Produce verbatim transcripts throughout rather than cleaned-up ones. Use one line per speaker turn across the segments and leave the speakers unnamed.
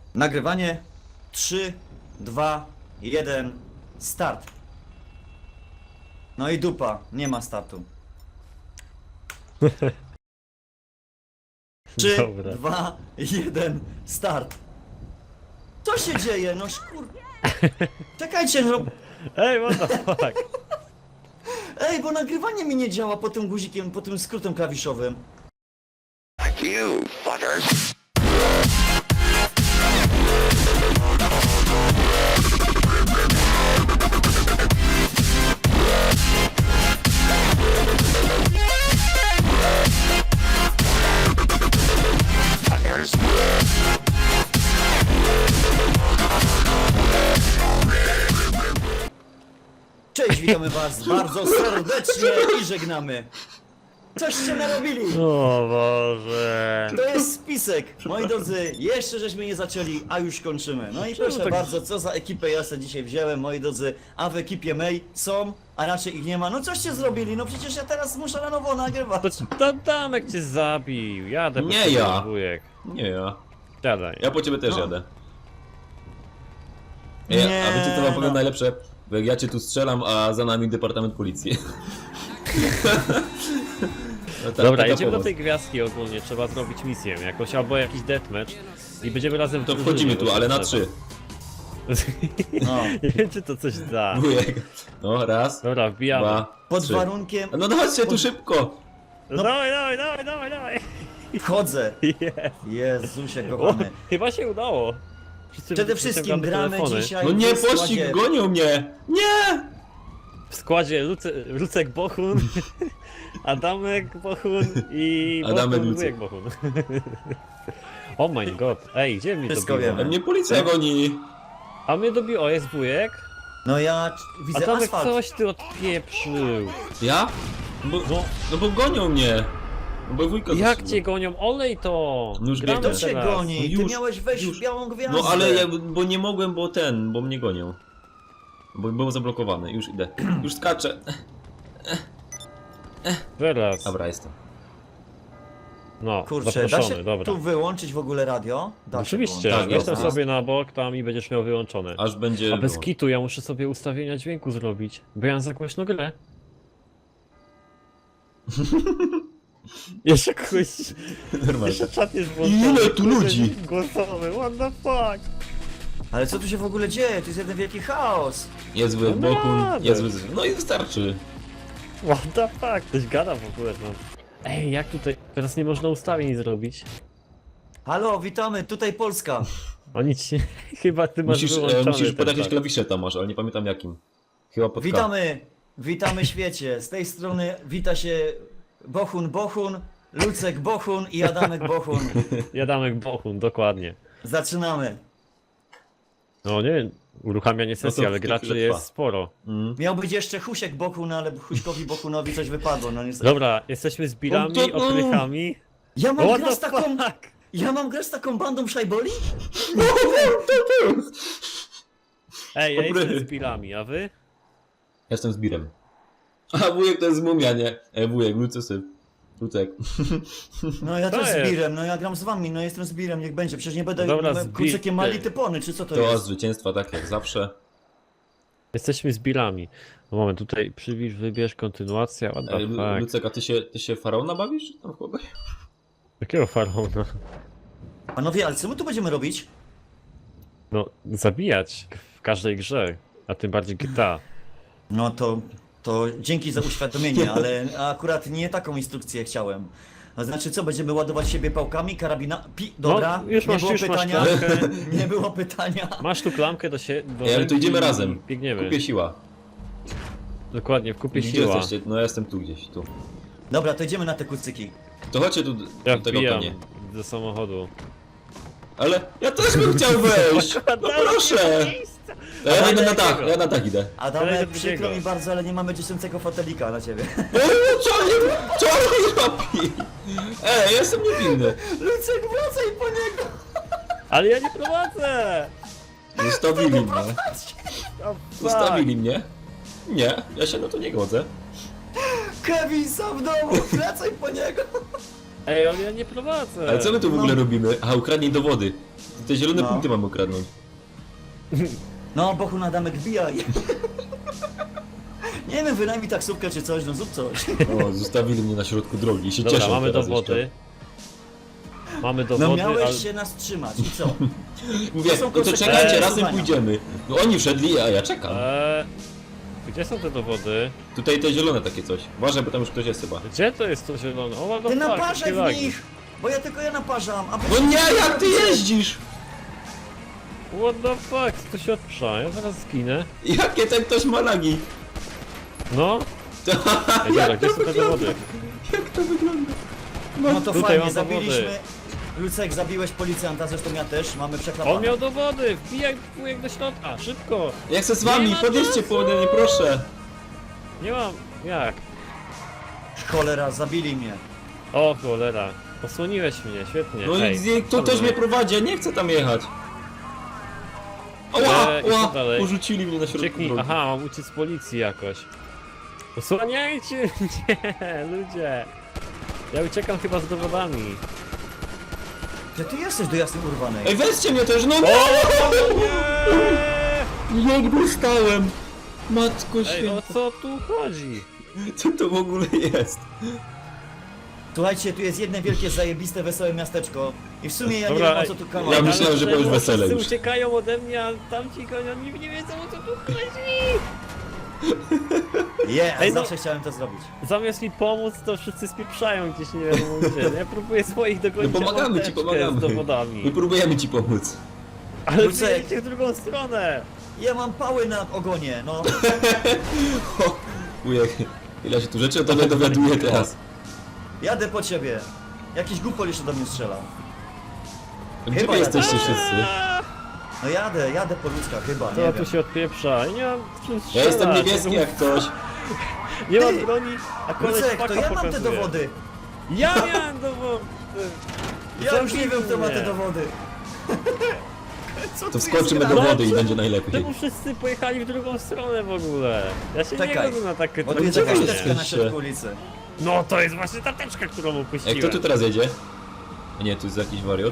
Nagrywanie. trzy, dwa, jeden, start. No i dupa, nie ma startu. trzy,
Dobra.
dwa, jeden, start. Co się dzieje? No szkur... Czekajcie, no...
Ej, what the fuck?
Ej, bo nagrywanie mi nie działa po tym guzikiem, po tym skrótem klawiszowym.
You fuckers!
Cześć, witamy was bardzo serdecznie i żegnamy. Coście narobili?
O Boże.
To jest spisek. Moi drodzy, jeszcze żeśmy nie zaczęli, a już kończymy. No i proszę
tak-
bardzo, co za ekipę ja sobie dzisiaj wziąłem, moi drodzy. A w ekipie May są, a raczej ich nie ma. No coście zrobili? No przecież ja teraz muszę na nowo nagrywać.
To, to Damek cię zabił. Jadę po
Nie
ciebie,
ja.
wujek.
Nie ja.
Siadaj.
Ja po ciebie też
No.
jadę. Nie,
Nie,
a wiecie co wam powiem
no.
najlepsze? Bo jak ja cię tu strzelam, a za nami Departament Policji. No tak,
Dobra,
taka
jedziemy do
pomoc.
tej gwiazdki ogólnie, trzeba zrobić misję jakąś, albo jakiś deathmatch i będziemy razem w
To
drużynie,
wchodzimy tu,
bo
ale na
trzeba.
trzy.
No.
Nie wiem, czy to coś da.
Wujek. No, raz,
Dobra, wbijamy.
dwa,
Pod
trzy.
warunkiem...
No dawajcie tu szybko!
No dawaj, dawaj, dawaj, dawaj, dawaj.
Wchodzę.
Jest.
Jezusie
O,
kochany.
chyba się udało. Wszyscy
Przede wszystkim
wyciągamy
gramy
telefony.
dzisiaj
No nie,
w składzie-
pościg, gonią mnie! Nie!
W składzie Luce, Lucek Bochun, Adamek Bochun i
Adamek
Bochun,
Lucek.
wujek Bochun. Oh my god, ej, gdzie mnie
Wszystko
dobiło?
A
wiemy.
mnie policja goni!
A mnie dobiło, o jest wujek,
No ja
a
widzę
Adamek
asfalt.
coś ty odpieprzył.
Ja? Bo,
No,
no bo gonią mnie! No bo wujka
jak
zatrzymał.
cię gonią? Olej to!
No już
Gramy
biegnę.
To cię
teraz.
goni,
No
ty
już,
miałeś wejść
już.
w białą gwiazdę.
No ale ja, bo nie mogłem, bo ten, bo mnie gonią. Bo było zablokowane, już idę. Już skaczę.
Teraz.
Dobra, jestem.
No,
Kurczę, da
zaproszony,
się
dobra.
tu wyłączyć w ogóle radio? Da się
Oczywiście,
wyłączyć.
Tak,
jestem
jest.
sobie na bok tam i będziesz miał wyłączone.
Aż będzie...
A bez
było.
kitu ja muszę sobie ustawienia dźwięku zrobić, bo ja mam za głośno grę. Jeszcze kogoś...
Normalnie.
Jeszcze czat jest włączony.
Ile tu ludzi?
Głosowy, what the fuck?
Ale co tu się w ogóle dzieje? To jest jeden wielki chaos.
Jest w
No
boku,
jadę.
jest w... No i wystarczy.
What the fuck? Ktoś gada w ogóle no. Ej, jak tutaj... Teraz nie można ustawień zrobić.
Halo, witamy, tutaj Polska.
Oni ci... Chyba ty masz
Musisz, e,
wyłączony
musisz pod
ten
jakieś
czat.
klawisze tam masz, ale nie pamiętam jakim. Chyba pod K.
Witamy, witamy świecie. Z tej strony wita się Bohun Bohun, Lucek Bohun i Adamek Bohun.
Jadamek Bochun, dokładnie.
Zaczynamy.
No nie wiem, uruchamianie sesji,
to
ale
w
graczy
chwilę
jest
trwa.
sporo.
Mm.
Miał być jeszcze Husiek Bohun, ale Huśkowi Bohunowi coś wypadło, no niestety.
Dobra, jesteśmy z bilami,
No to- no.
oprychami.
Ja mam
What
grać z
the
taką...
fuck?
Ja mam grać z taką bandą szajboli?
Ej, ja
Dobry.
jestem z bilami, a wy?
Jestem z birem. A wujek to jest mumia, nie? E, wujek, Lucysy. Lucek.
No ja
To
też z
jest.
Birem, no ja gram z wami, no jestem z Birem, niech będzie. Przecież nie będę
Dobra,
no,
z
kurczykiem
Bir-
mali typony, czy co to,
To
jest?
zwycięstwa tak jak zawsze.
Jesteśmy z bilami. No moment, tutaj przybliż, wybierz, kontynuacja, what
E,
the
Lu-
fuck.
Lucek, a ty się, ty się faraona bawisz? Tam w kogoś?
Jakiego faraona?
Panowie, ale co my tu będziemy robić?
No, zabijać w każdej grze, a tym bardziej G T A.
No to, to dzięki za uświadomienie, ale akurat nie taką instrukcję chciałem. To znaczy co, będziemy ładować siebie pałkami, karabina... Pi... Dobra,
No, już
nie
masz-
było
już masz
pytania,
klamkę.
nie było pytania.
Masz tu klamkę do się. Do
Ej, ale to
ręki
idziemy
i
razem.
Biegniemy.
Kupie siła.
Dokładnie, w kupie
Gdzie
siła.
jesteście? No ja jestem tu gdzieś, tu.
Dobra, to idziemy na te kucyki.
To chodźcie tu
Ja
do tego
wbijam
konie.
do samochodu.
Ale ja też bym chciał wejść! No proszę! To ja idę na dach, ja na dach idę.
Adamek,
Ale do
przykro
drugiego.
mi bardzo, ale nie mamy dziesiątego fotelika na ciebie.
O, co oni, co oni robi? Ej, ja jestem niewinny.
Lucek, wracaj po niego!
Ale ja nie prowadzę!
Zostawili mnie.
O, fuck.
Zostawili mnie. Nie, ja się na to nie godzę.
Kevin sam w domu, wracaj po niego!
Ej, ale ja nie prowadzę!
Ale co my tu w ogóle
No.
robimy? A ukradnij dowody. te zielone
No.
punkty mamy ukradnąć.
No, Bohu na damek wbijaj. Nie wiem, wynajmij taksówkę czy coś, no zrób coś.
O, zostawili mnie na środku drogi i się
Dobra,
cieszą
mamy
teraz
dowody. Mamy
No
dowody,
miałeś
ale...
się nas trzymać i co?
jeszcze. Mówię,
To są
no to
konsekwencje
czekajcie, razem
głosowania.
pójdziemy. No oni wszedli, a ja czekam.
Eee, gdzie są te dowody?
Tutaj te zielone takie coś. Uważaj, bo tam już ktoś jest chyba.
Gdzie to jest to zielone? O, what the
Ty
fuck,
naparzaj
jakie
w
lagi.
nich! Bo ja tylko ja naparzam, a wy
No nie, jak ty jeździsz?
What the fuck, to się odprza, ja zaraz zginę.
Jakie ten ktoś ma lagi?
No,
To,
Ej, dobra,
jak
gdzie
to
są te
wygląda?
dowody?
Jak to wygląda?
No to
Tutaj
fajnie,
mam dowody.
zabiliśmy... Lucek, zabiłeś policjanta, zresztą ja też, mamy przeklapane.
On miał dowody, wbijaj wujek do środka, szybko.
Ja chcę z wami,
Nie ma
podjedźcie
czasu.
po mnie, proszę.
Nie mam, jak?
Cholera, zabili mnie.
O cholera, posłoniłeś mnie, świetnie.
No
Ej,
i gdzie- to
dobra.
też mnie prowadzi, ja nie chcę tam jechać. Oła,
Eee, i co
oła,
dalej?
porzucili mnie na środku
Krzyknij,
drogi.
aha, mam uciec z policji jakoś. Osłaniajcie mnie, ludzie. Ja uciekam chyba z dowodami.
Gdzie ty jesteś do jasnej urwanej?
Ej, weźcie mnie też, no
O, nie!
jak dostałem. Matko
Ej, o
święta,
co tu chodzi?
co to w ogóle jest?
Słuchajcie, tu jest jedno wielkie, zajebiste, wesołe miasteczko. I w sumie ja nie
Dobra,
wiem, o co tu
ej,
kamer.
Ja
ale
myślałem, że
czemu
byłeś wesele
wszyscy
już.
uciekają ode mnie, a tamci gonią, nie, nie wiedzą o co tu chodzi.
Yeah,
Ej, no-
zawsze chciałem to zrobić.
Zamiast mi pomóc, to wszyscy spieprzają gdzieś nie wiadomo gdzie. Ja próbuję swoich
No
dogonić, a
pomagamy
mam
ci,
teczkę
pomagamy.
z dowodami.
My próbujemy ci pomóc.
Ale
Lucek.
wyjedźcie w drugą stronę.
Ja mam pały na ogonie, no.
O, ujek, ile się tu rzeczy o tobie dowiaduje teraz.
Jadę po ciebie. Jakiś głupol jeszcze do mnie strzelał.
Gdzie
Chyba
wy
ja
jesteście
też.
wszyscy?
No jadę, jadę po ludzkach chyba, nie
To
wiem.
tu się odpieprza. Nie mam czym
Ja
strzelać.
jestem niebieski jak ktoś.
Nie mam
Ty,
broni, a koleś
Lucek,
paka
to ja mam te
pokazuje.
dowody.
Ja miałem dowody.
Ja już nie wiem, kto ma te
Zabij mnie.
dowody. Co
To
tu
wskoczymy
jest
do
grane?
wody i będzie najlepiej.
Czemu wszyscy pojechali w drugą stronę w ogóle? Ja się
Czekaj,
nie godzę na takie
Bo tu jest
Gdzie wy
jakaś
jesteście?
teczka na środku ulicy.
No to jest właśnie ta teczka, którą
Ej,
upuściłem.
kto tu teraz jedzie? A nie, tu jest jakiś wariot.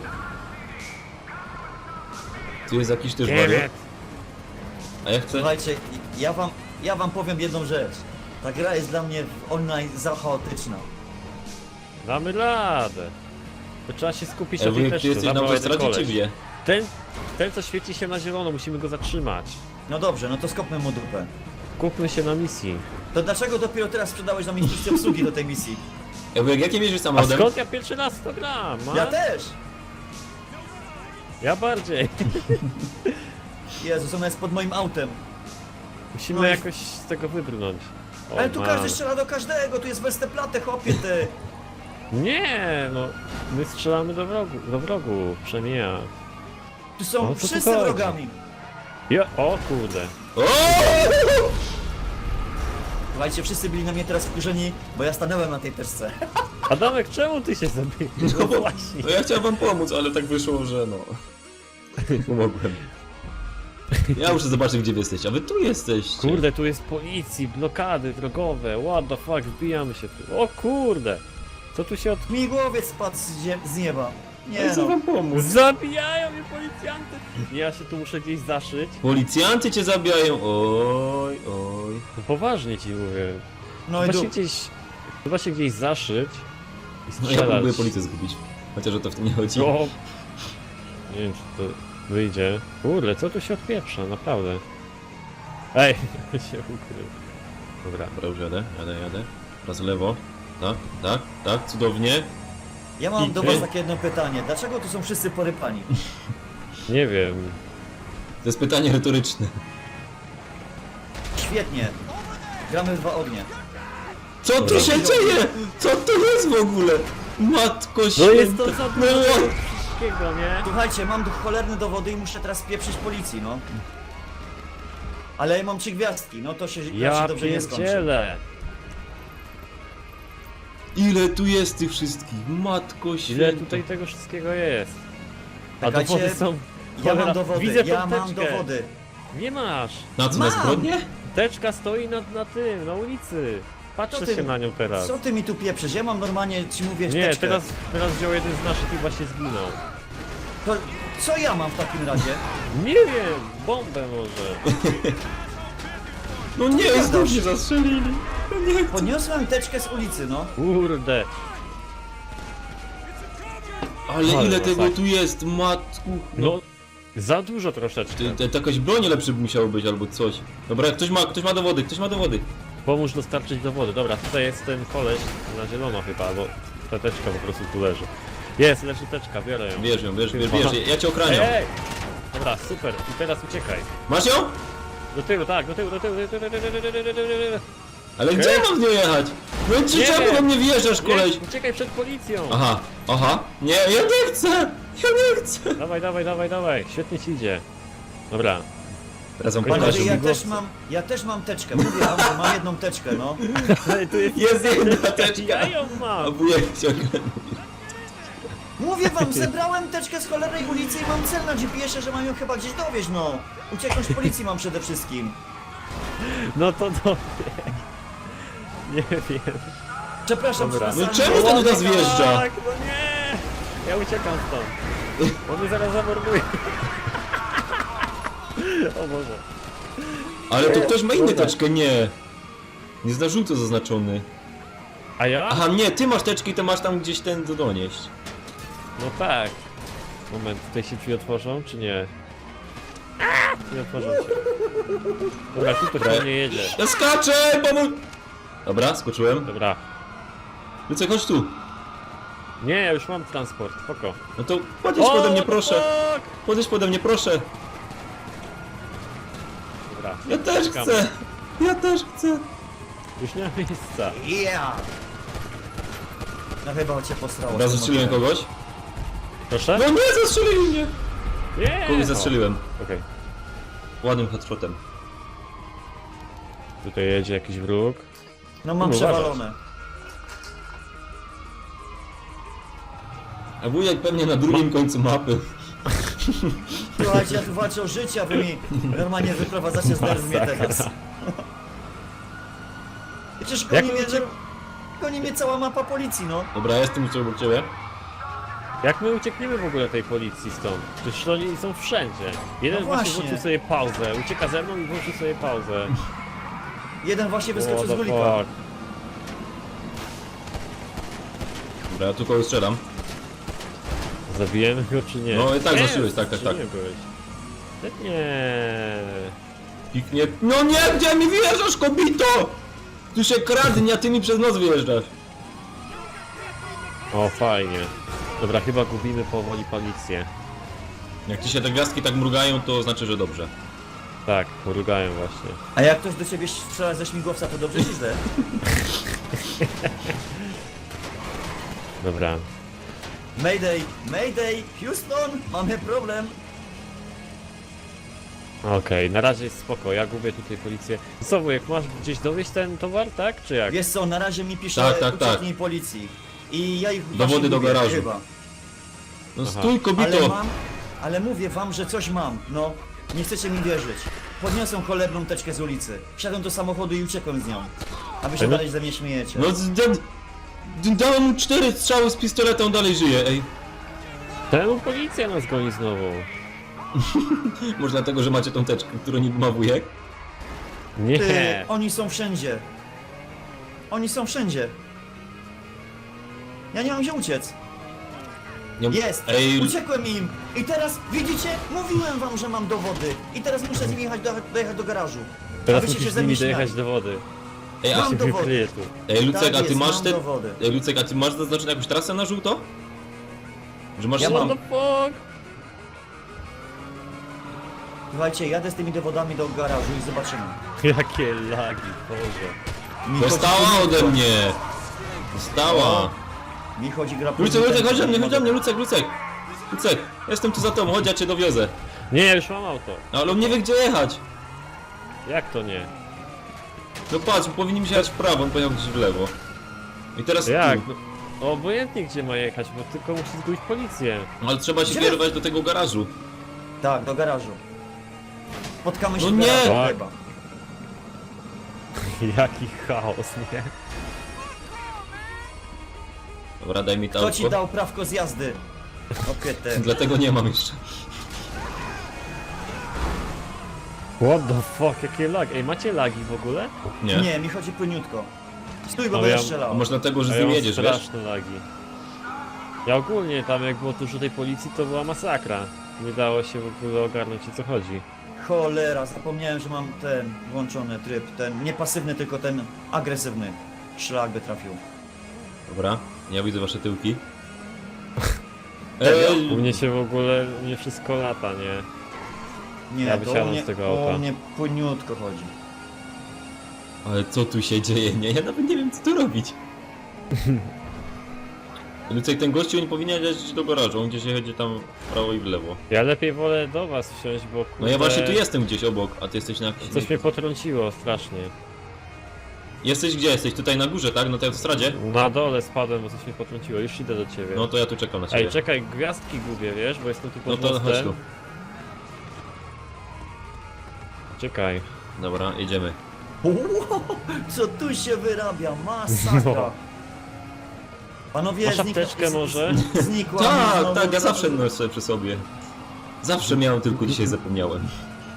Tu jest jakiś też wariot.
Kiemet.
A ja chcę...
Słuchajcie, ja wam, ja wam powiem jedną rzecz. Ta gra jest dla mnie w online za chaotyczna.
Damy radę. To trzeba się skupić
Ej,
na tej
wujek, ty
teczce.
jesteś na
zabrał jeden
autostradzie czy
koleś.
gdzie?
Ten, ten co świeci się na zielono, musimy go zatrzymać.
No dobrze, no to skopmy mu dupę.
Kupmy się na misji.
To dlaczego dopiero teraz sprzedałeś nam instrukcję obsługi do tej misji?
Ej, wujek, jakim jeździsz
A
samochodem?
skąd ja pierwszy raz to gram? A?
Ja też!
Ja bardziej.
Jezus, ona jest pod moim autem.
Musimy
No i-
jakoś z tego wybrnąć. O,
Ale tu
man.
każdy strzela do każdego, tu jest Westerplatte, chłopie ty.
Nie, no. My strzelamy do wrogu, do wrogu, przemija.
Tu są
O co tu
wszyscy
chodzi?
wrogami.
Ja, o kurde.
O!
Słuchajcie, wszyscy byli na mnie teraz wkurzeni, bo ja stanąłem na tej teczce.
Adamek, czemu ty się zabiłeś?
No,
No
bo-
właśnie.
no ja chciałem wam pomóc, ale tak wyszło, że no... Pomogłem. Ja muszę zobaczyć, gdzie wy jesteście, a wy tu jesteście.
Kurde, tu jest policji, blokady drogowe, what the fuck, wbijamy się tu. O kurde! Co tu się od...
Mi głowiec spadł z, zie- z nieba. Nie
Ja chcę
no.
wam pomóc.
Zabijają mnie policjanty! Ja się tu muszę gdzieś zaszyć.
Policjanty cię zabijają, oj, oj.
No poważnie ci mówię.
No i
Chyba się
dup.
gdzieś... Chyba się gdzieś zaszyć i
No ja
strzelać.
próbuję policję zgubić. Chociaż o to w tym nie chodzi.
O! Nie wiem czy to wyjdzie. Kurde, co tu się odpieprza, naprawdę. Ej, się ukrył. Dobra.
Dobra, już jadę, jadę, jadę. Raz w lewo. Tak, tak, tak, cudownie.
Ja mam do
I-
was takie jedno pytanie. Dlaczego tu są wszyscy porypani?
Nie wiem.
To jest pytanie retoryczne.
Świetnie. Gramy w dwa ognie.
Co tu się dzieje? Co to jest w ogóle? Matko
No
święta.
jest to za dużo
No,
tego wszystkiego, nie?
Słuchajcie, mam do cholerne dowody i muszę teraz pieprzyć policji, no. Ale ja mam trzy gwiazdki, no to się
Ja
raczej dobrze nie skończy.
pierdzielę.
ile tu jest tych wszystkich? Matko święta.
Ile tutaj tego wszystkiego jest? A
Czekajcie,
dowody są...
Ja
Cholera,
mam dowody,
widzę tą
ja mam
teczkę.
dowody.
Nie masz.
Na co, na
Mam!
zbrodnię?
Teczka stoi na, na tym, na ulicy. Patrzę
Co ty-
się na nią teraz.
Co ty mi tu pieprzysz? Ja mam normalnie, ci mówię,
Nie,
teczkę.
teraz, teraz wziął jeden z naszych i właśnie zginął.
To, Co ja mam w takim razie?
Nie wiem, bombę może.
No nie, znów się zastrzelili. No nie.
Podniosłem teczkę z ulicy, no.
Kurde.
Ale
Ale
ile tego
masakra.
tu jest, matku.
No, za dużo troszeczkę.
Ty- te- to jakaś broń lepszy by musiało być albo coś. Dobra, ktoś ma, ktoś ma dowody, ktoś ma dowody.
Pomóż dostarczyć dowody. Dobra, tutaj jest ten koleś na zielono chyba, bo ta teczka po prostu tu leży. Jest, leży teczka, biorę ją.
Bierz ją, bierz, bierz,
Aha.
bierz, ja cię
Ej,
ochraniam.
ej! Dobra, super. I teraz uciekaj.
Masz ją?
Do tyłu, tak, do tyłu, do tyłu, do tyłu, do tyłu, do tyłu, do tyłu, do tyłu.
Ale gdzie ja mam z nią jechać? No ci
Nie
czemu
wiem.
do mnie wjeżdżasz, koleś?
Nie, uciekaj przed policją!
Aha, aha. Nie, ja nie chcę! Ja nie chcę!
Dawaj, dawaj, dawaj, dawaj, świetnie ci idzie. Dobra,
Teraz wam
Panowie,
Panowie,
pokażę.
ja
migowce.
też mam, ja też mam teczkę. Mówię wam, że mam jedną teczkę, no.
Ej, tu jest...
Jest jedna
Ja
teczka.
ją
A
mam!
wujek ciągle.
Mówię wam, zebrałem teczkę z cholernej ulicy i mam cel na G P S-ie, że mam ją chyba gdzieś dowieźć, no. Ucieknąć policji mam przede wszystkim.
No to dobrze. Nie wiem.
Przepraszam,
Dobra.
przepraszam.
No czemu ten do nas wjeżdża?
Tak, no nie! Ja uciekam stąd. On mnie zaraz zamorduje. O Boże.
Ale to ktoś ma inną
Dobra.
teczkę, nie. Nie zna żółto zaznaczony.
A ja?
Aha, nie, ty masz teczki, to masz tam gdzieś ten do donieść.
No tak. Moment, tutaj się drzwi otworzą, czy nie? Nie otworzą się. Dobra, tu to
Dobra.
nie jedzie.
Ja skaczę, pomóż! Dobra, skoczyłem.
Dobra.
Lucek, chodź tu.
Nie, ja już mam transport, spoko.
No to podejdź pode mnie,
what the
proszę.
fuck?
Podejdź pode mnie, proszę.
Dobra.
Ja też
czekam.
chcę. Ja też chcę.
Już nie ma miejsca.
Yeah! No chyba cię posrało.
Dobra, zastrzeliłem kogoś.
Proszę?
No nie, zastrzelili mnie.
Nie!
Kogoś zastrzeliłem.
O, Okej.
Ładnym headshotem.
Tutaj jedzie jakiś wróg.
No mam
No,
przewalone.
A wujek pewnie na drugim końcu mapy.
Słuchajcie, ja tu walczę o życie, a wy mi normalnie wyprowadzacie z nerw mnie teraz. Przecież
Jak
goni
my
mnie,
uciek-
goni mnie cała mapa policji, no.
Dobra, ja jestem już obok ciebie.
Jak my uciekniemy w ogóle tej policji stąd? Przecież oni są wszędzie. Jeden
No
właśnie
właśnie.
włączył sobie pauzę, ucieka ze mną i włączył sobie pauzę.
Jeden właśnie wyskoczył
What
z
the
gulika.
fuck?
Dobra, ja tu kogoś strzelam.
Zabijemy go czy nie?
No i tak
Nie,
zaszyłeś, tak, tak,
czy
tak.
Nie, byłeś? nie.
Piknie. No nie, gdzie mi wyjeżdżasz, kobito? Tu się kradnie, a ty mi przez nos wyjeżdżasz.
O, fajnie. Dobra, chyba gubimy powoli policję.
Jak ci się te gwiazdki tak mrugają, to znaczy, że dobrze.
Tak, mrugają właśnie.
A jak ktoś do ciebie strzela ze śmigłowca, to dobrze czy źle?
Dobra.
Mayday, Mayday, Houston, mamy problem.
Okej, na razie jest spoko, ja gubię tutaj policję. Co, wujek, masz gdzieś dowieść ten towar, tak? Czy jak?
Wiesz co, na razie mi pisze
Tak, tak, tak.
ucieknij policji. I ja ich
Dowody
właśnie
do
lubię,
garażu.
Chyba.
No
Aha.
stój,
Ale
kobito!
mam, ale mówię wam, że coś mam, no. Nie chcecie mi wierzyć. Podniosłem cholerną teczkę z ulicy. Wsiadłem do samochodu i uciekłem z nią. A wy się
Ale no-
dalej ze mnie śmiejecie.
No z- d- d- dałem mu cztery strzały z pistoletu, on dalej żyje, ej.
Temu policja nas goni znowu.
Może dlatego, że macie tą teczkę, którą niby ma wujek?
Nie.
Ty, oni są wszędzie. Oni są wszędzie. Ja nie mam gdzie uciec.
Nie-
Jest!
Ej,
Uciekłem im! I teraz, widzicie? Mówiłem wam, że mam dowody. I teraz muszę z nimi jechać do, dojechać do garażu.
Teraz
A wy się
musisz z
ze mnie
nimi
śmiali.
dojechać do wody.
ej, a,
Mam
Się
dowody.
wykryje tu.
ej Lucek,
Tak
a ty
jest,
masz
mam
te...
dowody.
Ej, Lucek, a ty masz zaznaczoną jakąś trasę na żółto? Że masz...
Ja
What
mam.
the fuck?
Słuchajcie, jadę z tymi dowodami do garażu i zobaczymy.
Jakie lagi, Boże.
Mi
Dostała
chodzi-
ode mnie! Dostała!
Mi chodzi gra po
Lucek, Lucek,
ten-
chodź do mnie, chodź do mnie, Lucek, Lucek! Lucek, jestem tu za tobą, chodź, ja cię dowiozę.
Nie, ja już mam auto.
Ale on nie wie, gdzie jechać.
Jak to nie?
No patrz, powinniśmy jechać w prawo, on pojechał gdzieś w lewo. I teraz
Jak?
tu.
No, obojętnie gdzie ma jechać, bo tylko musi zgubić policję.
No, ale trzeba się
Gdzie?
kierować do tego garażu.
Tak, do garażu. Spotkamy się
No
w
nie!
garażu
Tak.
chyba.
Jaki chaos, nie?
Dobra, daj mi to
Kto ci
autko.
dał prawko z jazdy? Okietę.
Dlatego nie mam jeszcze.
What the fuck, jakie lagi? Ej, macie lagi w ogóle?
Nie.
Nie, mi chodzi płyniutko. Stój, bo
No
będę
ja-
strzelał.
A może dlatego, że
A
z
ja
nim
mam
jedziesz, wiesz?
straszne lagi. Ja ogólnie tam jak było dużo tej policji, to była masakra. Nie dało się w ogóle ogarnąć, o co chodzi.
Cholera, zapomniałem, że mam ten włączony tryb, ten nie pasywny, tylko ten agresywny. Szlak by trafił.
Dobra, ja widzę wasze tyłki.
Serio?
Ej,
U mnie się w ogóle, u mnie wszystko lata, nie?
Nie,
Ja
to
wysiadam
u mnie,
z tego auta.
u mnie płyniutko chodzi.
ale co tu się dzieje? Nie, ja nawet nie wiem co tu robić. Lucek, ten gościu nie powinien jechać do garażu, on gdzieś jedzie tam w prawo i w lewo.
Ja lepiej wolę do was wsiąść, bo kurde,
No ja właśnie tu jestem gdzieś obok, a ty jesteś na jakiś...
Coś mnie potrąciło strasznie.
Jesteś gdzie? Jesteś tutaj na górze, tak? Na tej autostradzie?
Na dole spadłem, bo coś mnie potrąciło. Już idę do ciebie.
No to ja tu czekam na ciebie.
Ej, czekaj, gwiazdki gubię, wiesz, bo jestem tu
No
pod
to chodź
mostem.
tu.
Czekaj.
Dobra, jedziemy.
Wow, co tu się wyrabia? Masakra.
No.
Panowie,
Masz
zniknął-
apteczkę
z-
może?
z- Znikła mi
Tak,
znowu
tak, ja
co-
zawsze noszę przy sobie. Zawsze miałem, tylko dzisiaj zapomniałem.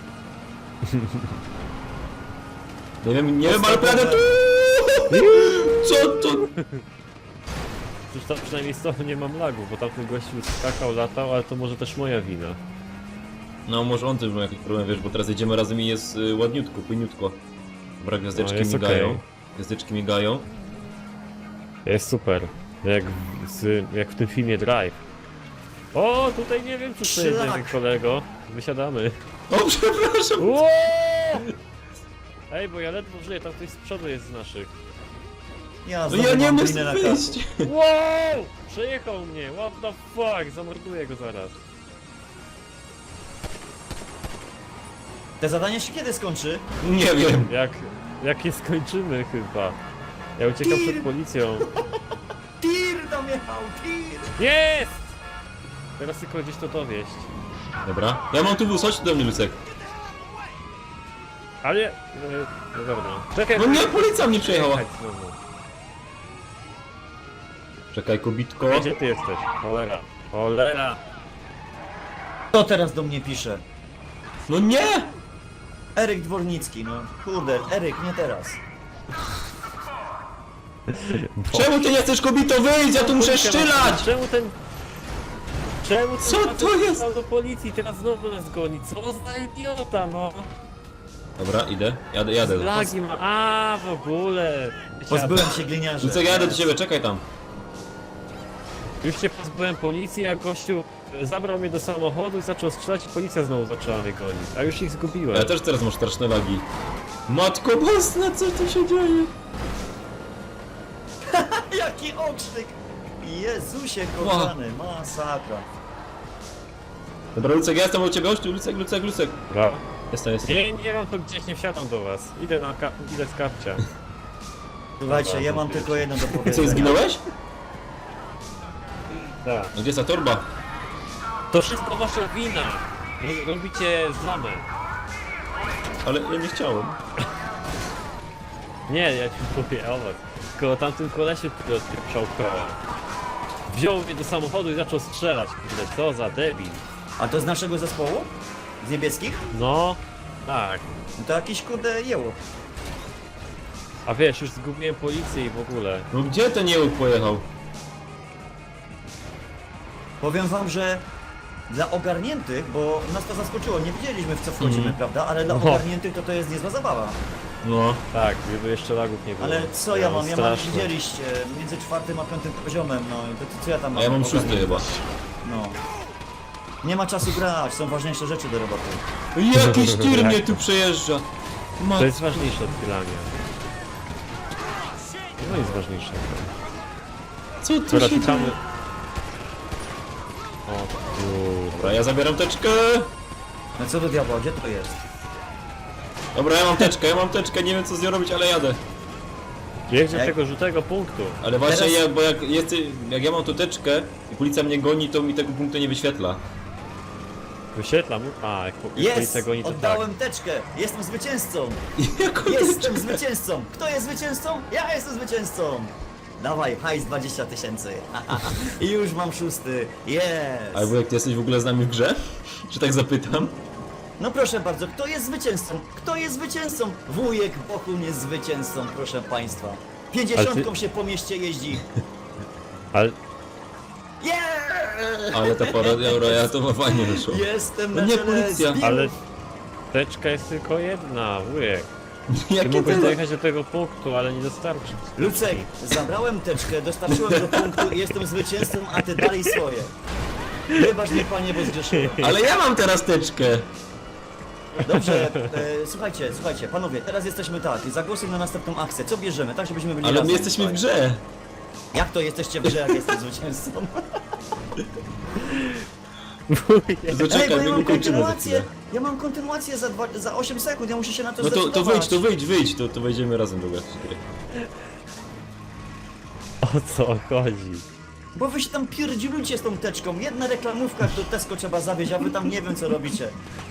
Nie wiem, nie wiem, ale prawie tu! Co to?
Przecież tam przynajmniej z tobą nie mam lagów, bo tamten gościu skakał, latał, ale to może też moja wina.
No może on też ma jakiś problem, wiesz, bo teraz jedziemy razem i jest y, ładniutko, płyniutko. Dobra, gwiazdeczki
No, jest
migają.
okej.
Gwiazdeczki migają.
Jest super. Jak w, z, jak w tym filmie Drive. O, tutaj nie wiem, czy to jest
Szlak.
jeden kolego. Wysiadamy.
O, przepraszam!
Ło! Ej, bo ja ledwo żyję, tam ktoś z przodu jest z naszych.
Ja,
No
znowu
ja nie
mam
mogę
winę na
wyjść!
Wow! Przejechał mnie, what the fuck, zamorduję go zaraz.
Te zadanie się kiedy skończy?
Nie wiem.
Jak, jak je skończymy chyba. Ja uciekam przed policją.
Tir tam jechał, tir!
Jest! Teraz tylko gdzieś to dowieść.
Dobra, ja mam tu wóz, chodź tu do mnie, Lucek.
Ale... e, No dobra. Czekaj,
No nie, policja mnie przejechała.
Jechać znowu.
Czekaj, kobitko.
Gdzie ty jesteś? Cholera. Cholera!
Kto teraz do mnie pisze?
No nie!
Eryk Dwornicki, no kurde, Eryk, nie teraz.
Czemu ty nie chcesz, kobito, wyjść? Ja tu muszę szczylać!
Czemu ten... Czemu ten
Co
facet
to jest?
pojechał do policji, teraz znowu nas goni? Co za idiota, no!
Dobra, idę, jadę, jadę.
Lagi ma... A, w ogóle!
Pozbyłem się gliniarzy.
Lucek, ja jadę do ciebie, czekaj tam.
Już się pozbyłem policji, a gościu zabrał mnie do samochodu i zaczął strzelać i policja znowu zaczęła mnie gonić. A już ich zgubiłem.
Ja też teraz mam straszne lagi. Matko Boska, co tu się dzieje?
Jaki okrzyk! Jezusie kochany, masakra.
Dobra, Lucek, ja jestem u ciebie, chodź tu, Lucek, Lucek, Lucek.
Dobra.
Jestem, jestem.
Nie, nie mam to gdzieś, nie wsiadam do was. Idę na ka- idę z kapcia.
Słuchajcie,
Dobra,
ja mam
dziękuję.
tylko jedno do
Co,
powiedzenia.
zginąłeś?
Tak.
No gdzie jest ta torba?
To wszystko wasza wina! Ro- Robicie zamę.
Ale ja nie chciałem.
Nie, ja ci mówię o was. Tylko o tamtym kolesie, który odpieprzał koła. Wziął mnie do samochodu i zaczął strzelać. Kurde, co za debil.
A to z naszego zespołu? Z niebieskich?
No, tak.
No to jakiś kurde jeło.
A wiesz, już zgubiłem policję i w ogóle.
No gdzie ten jełk pojechał?
Powiem wam, że dla ogarniętych, bo nas to zaskoczyło, nie wiedzieliśmy w co wchodzimy,
Mhm.
prawda? Ale dla
No.
ogarniętych to to jest niezła zabawa.
No.
Tak, gdyby jeszcze lagów nie było.
Ale co ja mam? Ja mam,
straszne.
widzieliście, między czwartym a piątym poziomem, no i to co ja tam mam?
A ja mam szósty
ogarnięte?
chyba.
No. Nie ma czasu grać, są ważniejsze rzeczy do roboty.
Jakiś tir mnie tu przejeżdża.
To
Mat...
jest ważniejsze od chylania. No jest ważniejsze.
Co tu
Dobra,
się dzieje?
czekamy. O kurde.
Dobra, ja zabieram teczkę.
No co do diabła, gdzie to jest?
Dobra, ja mam teczkę, ja mam teczkę, nie wiem co z nią robić, ale jadę.
Jedź do
Jak-
tego żółtego punktu.
Ale właśnie
Teraz-
ja, bo jak, jest, jak ja mam tu teczkę i policja mnie goni, to mi tego punktu nie wyświetla.
Wyświetlam. A, jak po- jak
Jest!
policja goni, to tak.
Oddałem teczkę! Jestem zwycięzcą!
Jaką
Jestem zwycięzcą! Kto jest zwycięzcą? Ja jestem zwycięzcą! Dawaj, hajs dwadzieścia tysięcy. I już mam szósty. Jest!
Albo jak ty jesteś w ogóle z nami w grze? Czy tak zapytam?
No proszę bardzo, kto jest zwycięzcą? Kto jest zwycięzcą? Wujek Bohun jest zwycięzcą, proszę państwa. Pięćdziesiątką
Ale ty-
się po mieście jeździ.
Ale
Yeah!
Ale ta parodia Euroja fajnie wyszło.
Jestem
No
na
nie,
czele
policja.
zbiór.
Ale teczka jest tylko jedna, wujek. Ty
Jakie
mogłeś
to...
dojechać do tego punktu, ale nie dostarczyć.
Lucek, zabrałem teczkę, dostarczyłem do punktu i jestem zwycięzcą, a ty dalej swoje. Wybacz mnie, panie, bo zgrzeszyłem.
Ale ja mam teraz teczkę!
Dobrze, e, słuchajcie, słuchajcie, panowie, teraz jesteśmy tak, zagłosuj na następną akcję. Co bierzemy, tak żebyśmy byli
Ale
razem.
my jesteśmy w
Słuchaj.
grze!
Jak to jesteście w grze, jak jestem zwycięzcą?
Wujek.
To
Ej,
czekaj,
bo
my
ja mam
go kończymy za
kontynuację,
chwilę.
ja mam kontynuację za, dwa, za osiem sekund, ja muszę się na to
No to, to
zdecydować.
wyjdź, to wyjdź, wyjdź, to, to wejdziemy razem do jakiejś gry.
O co chodzi?
Bo wy się tam pierdzielujcie z tą teczką, jedna reklamówka do Tesco trzeba zawieźć, a wy tam nie wiem co robicie.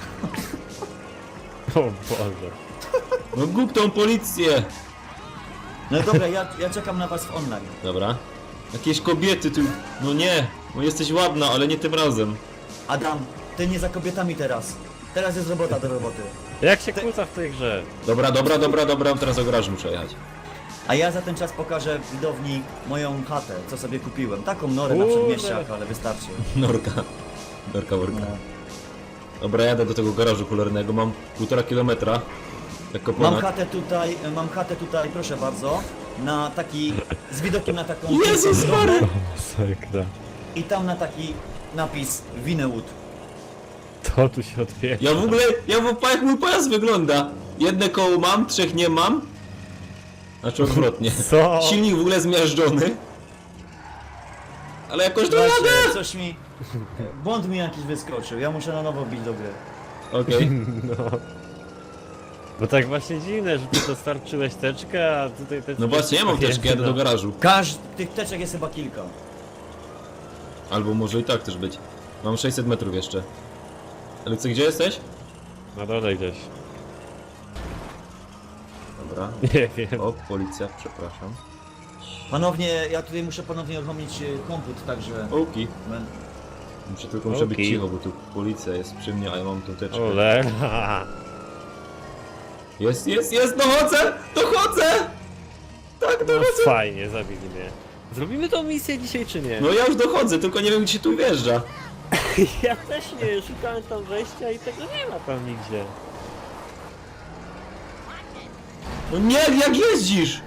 O Boże.
No gub tą policję!
No dobra, ja, ja czekam na was w online.
Dobra. Jakieś kobiety tu... No nie! No jesteś ładna, ale nie tym razem.
Adam, ty nie za kobietami teraz. Teraz jest robota do roboty.
Jak się kłóca w tej grze?
Dobra, dobra, dobra, dobra, teraz o garażu muszę jechać.
A ja za ten czas pokażę widowni moją chatę, co sobie kupiłem. Taką norę na
Kurde.
przedmieściach, ale wystarczy.
Norka. Norka, worka.
No.
Dobra, jadę do tego garażu cholernego, mam półtora kilometra. Jako
Mam
ponad...
chatę tutaj, mam chatę tutaj, proszę bardzo, na taki, z widokiem na taką
Jezus
piękną
Maria!
drogę
Masakra.
i tam na taki napis Winewood.
To tu się odpieprza.
Ja w ogóle, ja w jak mój pojazd wygląda. Jedne koło mam, trzech nie mam. Znaczy odwrotnie.
Co?
Silnik w ogóle zmiażdżony. Ale jakoś to jadę!
Właśnie, coś mi, błąd mi jakiś wyskoczył, ja muszę na nowo bić do gry.
Okej.
No. Bo tak właśnie dziwne, że ty dostarczyłeś teczkę, a tutaj teczka...
No właśnie, ja mam teczkę, jadę do garażu.
Każdy, tych teczek jest chyba kilka.
Albo może i tak też być. Mam sześćset metrów jeszcze. Ale co, gdzie jesteś?
Na dole gdzieś.
Dobra.
Nie wiem.
O, policja, przepraszam.
Ponownie, ja tutaj muszę ponownie uruchomić y, komput, także...
Oki.
men-
Muszę tylko muszę być
Okej.
cicho, bo tu policja jest przy mnie, a ja mam tą teczkę.
Olera.
Jest, jest, jest, dochodzę! Dochodzę! Tak,
No
dochodzę!
fajnie, zabili mnie. Zrobimy tą misję dzisiaj czy nie?
No ja już dochodzę, tylko nie wiem gdzie się tu wjeżdża.
Ja też nie, szukałem tam wejścia i tego nie ma tam nigdzie.
No nie, jak jeździsz?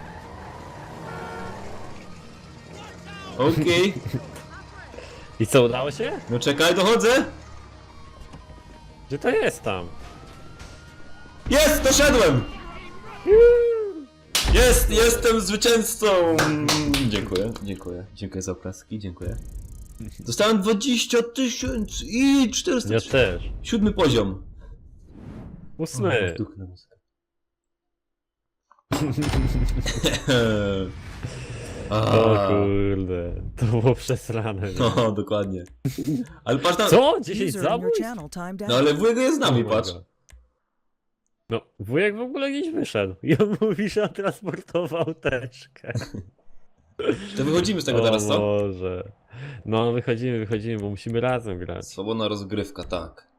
Okej.
I co, udało się?
No czekaj, dochodzę!
Gdzie to jest tam?
Jest, doszedłem! Jest, jestem zwycięzcą! Dziękuję, dziękuję. Dziękuję za oklaski, dziękuję. Dostałem dwadzieścia tysięcy i czterysta.
Ja też.
Siódmy poziom.
Ósmy.
Duch na muzykę.
O
A,
kurde, to było przesrane. nie?
no, dokładnie. Ale patrz tam.
Co? dziesięć
User in your
zabójstw?
channel timed out.
No ale wujek jest z nami,
Oh my
patrz.
God. No, wujek w ogóle gdzieś wyszedł. I on mówi, że on transportował teczkę.
To wychodzimy z tego
O
teraz, co?
Boże. No, wychodzimy, wychodzimy, bo musimy razem grać.
Swobodna rozgrywka, tak.